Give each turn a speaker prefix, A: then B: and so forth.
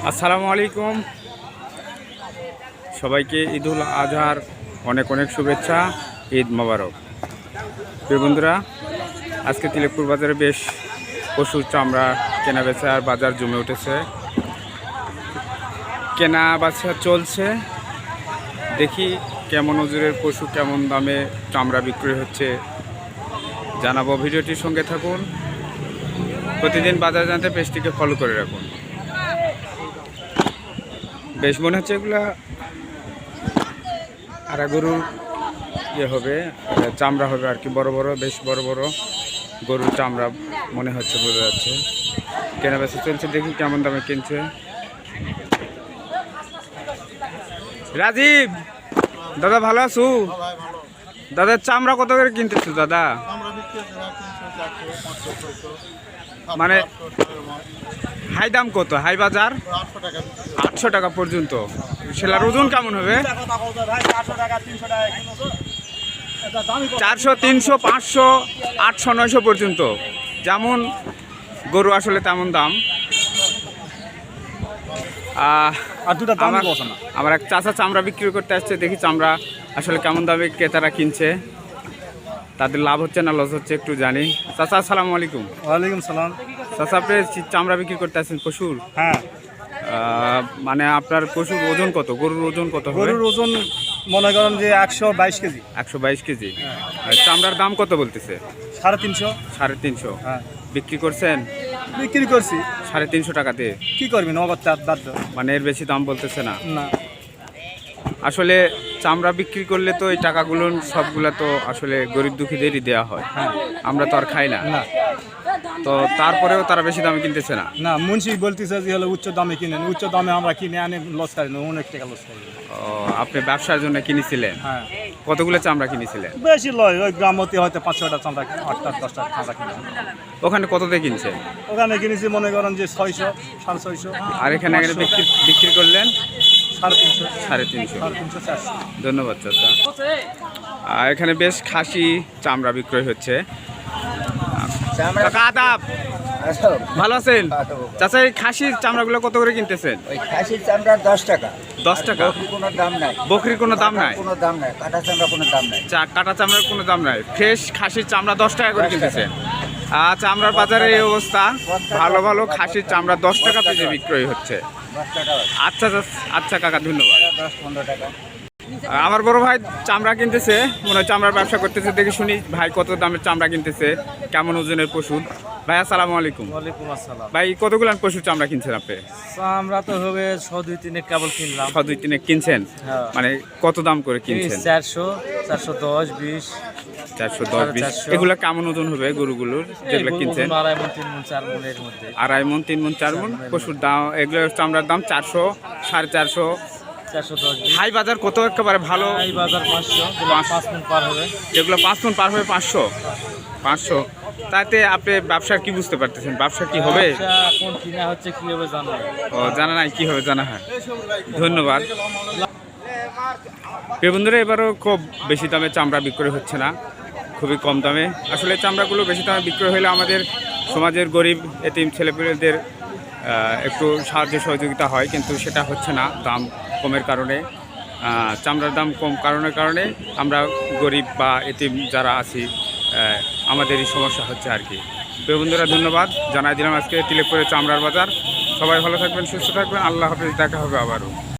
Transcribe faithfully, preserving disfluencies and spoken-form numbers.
A: আসসালামু আলাইকুম সবাইকে ঈদুল আজহার অনেক অনেক শুভেচ্ছা। ঈদ মোবারক। প্রিয় বন্ধুরা, আজকে তিলেকপুর বাজারে বেশ পশুর চামড়া কেনা বেচা আর বাজার জমে উঠেছে। কেনা বেচা চলছে, দেখি কেমন ওজনের পশু কেমন দামে চামড়া বিক্রি হচ্ছে জানাবো। ভিডিওটির সঙ্গে থাকুন। প্রতিদিন বাজার জানতে পেজটিকে ফলো করে রাখুন। বেশ মনে হচ্ছে এগুলা আরা গরুর ইয়ে হবে, চামড়া হবে আর কি, বড় বড় বেশ বড় বড় গরুর চামড়া মনে হচ্ছে, বোঝা যাচ্ছে। কেনা বেচা চলছে, দেখি কেমন দামে কিনছে। রাজীব দাদা, ভালো আছো? দাদা চামড়া কত করে কিনতেছো দাদা? মানে হাই দাম কত? হাই বাজার আটশো টাকা পর্যন্ত। সেলার ওজন কেমন হবে? চারশো, তিনশো, পাঁচশো, আটশো, নয়শো পর্যন্ত। যেমন গরু আসলে তেমন দাম। আমার এক চাচা চামড়া বিক্রি করতে আসছে, দেখি চামড়া আসলে কেমন দামে ক্রেতারা কিনছে, তাদের লাভ হচ্ছে না লস হচ্ছে একটু জানি। চাচা আসসালামু আলাইকুম।
B: ওয়ালাইকুম সালাম।
A: চাচা আপনি চামড়া বিক্রি করতে আসছেন পশুর?
B: হ্যাঁ।
A: মানে আপনার পশুর ওজন কত? গরুর ওজন কত?
B: গরুর ওজন মনে করেন যে একশো বাইশ কেজি।
A: একশো বাইশ কেজি। চামড়ার দাম কত বলতেছে?
B: সাড়ে তিনশো।
A: সাড়ে তিনশো।
B: হ্যাঁ।
A: বিক্রি করছেন?
B: বিক্রি করছি
A: সাড়ে তিনশো টাকা দিয়ে।
B: কি করবি নগদ বাধ্য।
A: মানে এর বেশি দাম বলতেছে না?
B: না।
A: আসলে চামড়া বিক্রি করলে তো এই টাকাগুলো সবগুলা তো আসলে গরিব দুঃখীদেরই দেওয়া হয়।
B: হ্যাঁ।
A: আমরা তো আর খাই না।
B: না।
A: তো তারপরেও তারা বেশি দামে কিনতেছে না?
B: না, মুন্সি বলতেছে যে হলো উচ্চ দামে কিনেন। উচ্চ দামে আমরা কিনে আনে লস করি না, অনেক টাকা লস করি।
A: ও, আপনি ব্যবসার জন্য কিনেছিলেন?
B: হ্যাঁ।
A: কতগুলো চামড়া কিনেছিলেন?
B: বেশি লয়, ওই গ্রামতে হয়তো পাঁচ ছটা চামড়া, আটটা দশটা চামড়া কিনে।
A: ওখানে কত দিয়ে কিনছেন?
B: ওখানে কিনেছি মনে করেন যে ছয়শো, সাড়ে ছয়শো।
A: আর এখানে বিক্রি বিক্রি করলেন?
B: সাড়ে তিনশো।
A: সাড়ে তিনশো।
B: সাড়ে তিনশো চারশো।
A: ধন্যবাদ চাচা। আর এখানে বেশ খাসি চামড়া বিক্রয় হচ্ছে। আদাব, ভালো আছেন? চাচা এই খাসির চামড়াগুলো কত করে কিনতেছেন?
C: ওই খাসির চামড়া দশ টাকা।
A: দশ টাকা?
C: বকরির কোনো দাম নাই।
A: বকরির কোনো দাম নাই?
C: কোনো দাম নাই। কাটা চামড়া কোনো দাম নাই।
A: চা কাটা চামড়ার কোনো দাম নাই। ফ্রেশ খাসির চামড়া দশ টাকা করে কিনতেছেন। আর চামড়ার বাজারে এই অবস্থা, ভালো ভালো খাসির চামড়া দশ টাকা পেজে বিক্রয় হচ্ছে।
C: দশ টাকা।
A: আচ্ছা আচ্ছা কাকা, ধন্যবাদ।
C: দশ পনেরো টাকা।
A: আমার বড় ভাই চামড়া কিনতেছে, মনে হয় চামড়ার ব্যবসা করতেছে। দেখি শুনি ভাই কত দামের চামড়া কিনতেছে, কেমন ওজনের পশু। ভাই আসসালামু আলাইকুম।
B: ওয়ালাইকুম আসসালাম।
A: ভাই কতগুলো পশুর চামড়া কিনছেন আপনি?
B: চামড়া তো হবে ছ দুই তিনে কেবল কিনলাম।
A: ছ দুই তিনে কিনছেন?
B: হ্যাঁ।
A: মানে কত দাম করে কিনছেন?
B: চারশো, চারশো দশ, বিশ।
A: চারশো দশ, বিশ। এগুলো কেমন ওজন হবে গরুগুলোর যেগুলো কিনছেন?
B: আড়াই মন, তিন মন, চার মনের মধ্যে।
A: আড়াই মন, তিন মন, চার মন পশুর দাম। এগুলো চামড়ার দাম চারশো, সাড়ে চারশো।
B: চারশো দশ।
A: হাই বাজার কত একেবারে ভালো?
B: এই বাজার পাঁচশো, পাঁচ মন পার হবে।
A: যেগুলো পাঁচ মন পার হবে পাঁচশো। পাঁচশো। তাতে আপনি ব্যবসার কি বুঝতে পারতেছেন? ব্যবসা কি হবে?
B: কোন কিনা হচ্ছে কি হবে জানা নাই।
A: ও, জানা নাই কি হবে, জানা হয়। ধন্যবাদ। প্রিয় বন্ধুরা, এবারও খুব বেশি দামে চামড়া বিক্রয় হচ্ছে না, খুবই কম দামে। আসলে চামড়াগুলো বেশি দামে বিক্রয় হলে আমাদের সমাজের গরিব এতিম ছেলেপেলেদের একটু সাহায্য সহযোগিতা হয়, কিন্তু সেটা হচ্ছে না দাম কমের কারণে। চামড়ার দাম কম কারণের কারণে আমরা গরিব বা এতিম যারা আছি আমাদেরই সমস্যা হচ্ছে আর কি। প্রিয় বন্ধুরা, ধন্যবাদ জানাই দিলাম আজকে তিলেকপুরের চামড়ার বাজার। সবাই ভালো থাকবেন, সুস্থ থাকবেন। আল্লাহ হাফেজ, দেখা হবে আবারও।